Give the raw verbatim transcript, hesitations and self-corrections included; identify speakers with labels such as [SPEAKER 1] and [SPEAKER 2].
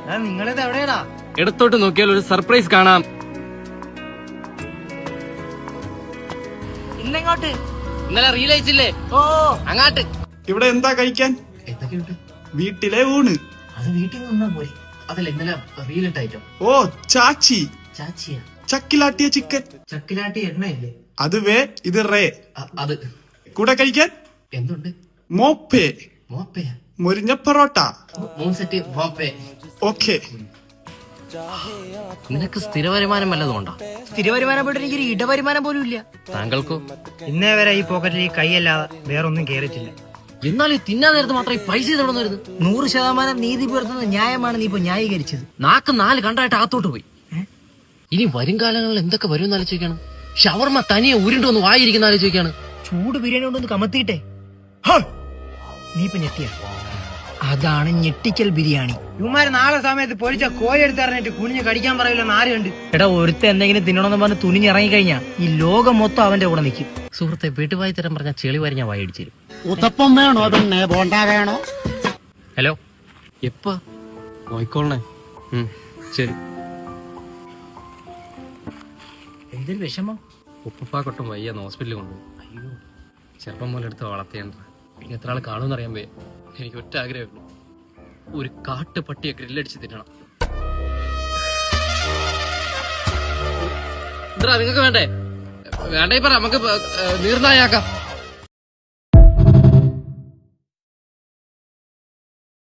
[SPEAKER 1] നിങ്ങളിത് എവിടെയാടാ?
[SPEAKER 2] ഇടത്തോട്ട് നോക്കിയാൽ ഒരു സർപ്രൈസ് കാണാം.
[SPEAKER 1] ഇന്നെങ്ങോട്ട്?
[SPEAKER 2] ഇന്നലെ റീൽ അയച്ചില്ലേ?
[SPEAKER 1] ഓ
[SPEAKER 2] അങ്ങാട്ട്.
[SPEAKER 3] ഇവിടെ എന്താ കഴിക്കാൻ?
[SPEAKER 2] എന്തൊക്കെയുണ്ട്?
[SPEAKER 3] വീട്ടിലെ ഊണ്.
[SPEAKER 2] അത് വീട്ടിൽ നിന്നാ പോയി. അതല്ല ഇന്നലെ റീൽ ഇട്ട ഐറ്റം.
[SPEAKER 3] ഓ ചാച്ചി.
[SPEAKER 2] ചാച്ചിയാ?
[SPEAKER 3] ചക്കിലാട്ടിയ ചിക്കൻ.
[SPEAKER 2] ചക്കിലാട്ടി എണ്ണയില്ലേ?
[SPEAKER 3] അത് വേ, ഇത് റേ.
[SPEAKER 2] അത്
[SPEAKER 3] കൂടെ കഴിക്കാൻ
[SPEAKER 2] എന്തുണ്ട്?
[SPEAKER 3] മോപ്പേ.
[SPEAKER 2] മോപ്പയാ?
[SPEAKER 3] മുരിഞ്ഞ പൊറോട്ട.
[SPEAKER 2] മൂന്ന് സെറ്റ് മോപ്പേ.
[SPEAKER 3] ഓക്കെ.
[SPEAKER 2] നിനക്ക് സ്ഥിര വരുമാനം വല്ലതും ഉണ്ടോ?
[SPEAKER 1] സ്ഥിര വരുമാനം പോയിട്ട് എനിക്കൊരു ഇടവരുമാനം പോലും ഇല്ല.
[SPEAKER 2] താങ്കൾക്കോ?
[SPEAKER 1] ഇന്നേ വരെ ഈ പോക്കറ്റിൽ ഈ കൈയല്ലാതെ വേറൊന്നും കേറിയിട്ടില്ല.
[SPEAKER 2] എന്നാൽ ഈ തിന്നാൻ നേരത്ത് മാത്രം ഈ പൈസ ഇതവിടെ നിന്ന് വരുന്നത്?
[SPEAKER 1] നൂറ് ശതമാനം നീതി പുലർത്തുന്ന ന്യായമാണ് നീ ഇപ്പൊ ന്യായീകരിച്ചത്.
[SPEAKER 2] നാക്ക് നാല് കണ്ടായിട്ട് അകത്തോട്ട് പോയി. ഇനി വരും കാലങ്ങളിൽ എന്തൊക്കെ വരും ആലോചിക്കാണ്. ഷവർമ്മ തനിയെ ഉരുണ്ടു വന്ന് വായിരിക്കുന്ന ആലോചിക്കാണ്.
[SPEAKER 1] ചൂട് ബിരിയാണി കൊണ്ടൊന്ന് കമത്തിയിട്ടെ. നീ ഇപ്പൊ ഞെട്ടിയ അതാണ് ഞെട്ടിക്കൽ ബിരിയാണി. ഇവന്മാര് നാളെ സമയത്ത് പൊരിച്ച കോഴി എടുത്തറിഞ്ഞിട്ട് കുനിഞ്ഞ് കടിക്കാൻ പറയില്ലെന്ന് ആരുണ്ട്? എടാ, ഒരുത്ത എന്തെങ്കിലും തിന്നണമെന്ന് പറഞ്ഞ് തുനിഞ്ഞിറങ്ങി കഴിഞ്ഞാ ഈ ലോകം മൊത്തം അവന്റെ കൂടെ നിൽക്കും.
[SPEAKER 2] സുഹൃത്തെ, വീട്ടുവായി തരം പറഞ്ഞ ചെളി വരെ ഞാൻ വായിടിച്ചു തരും.
[SPEAKER 4] ഉത്തപ്പം വേണോ പിന്നെ ബോണ്ട വേണോ?
[SPEAKER 2] ഹലോ, എപ്പാ? നോയിക്കോളണേ. ശരി.
[SPEAKER 1] എന്തൊരു വിഷമം.
[SPEAKER 2] ഉപ്പപ്പാക്കൊട്ടും വയ്യാന്ന് ഹോസ്പിറ്റലിൽ കൊണ്ടുപോയി. അയ്യോ, ചെറുപ്പം പോലെ എടുത്ത് വളർത്തിയാണ്ട് ഇനി എത്ര ആൾ കാണുമെന്ന് അറിയാൻ വയ്യ. എനിക്ക് ഒറ്റ ആഗ്രഹമുള്ളൂ, ഒരു കാട്ട് പട്ടിയെ ഗ്രില്ലടിച്ച് തിന്നണം. എന്താ നിങ്ങൾക്ക് വേണ്ടേ? വേണ്ടേ പറ, നമുക്ക് നീർനായാക്കാം.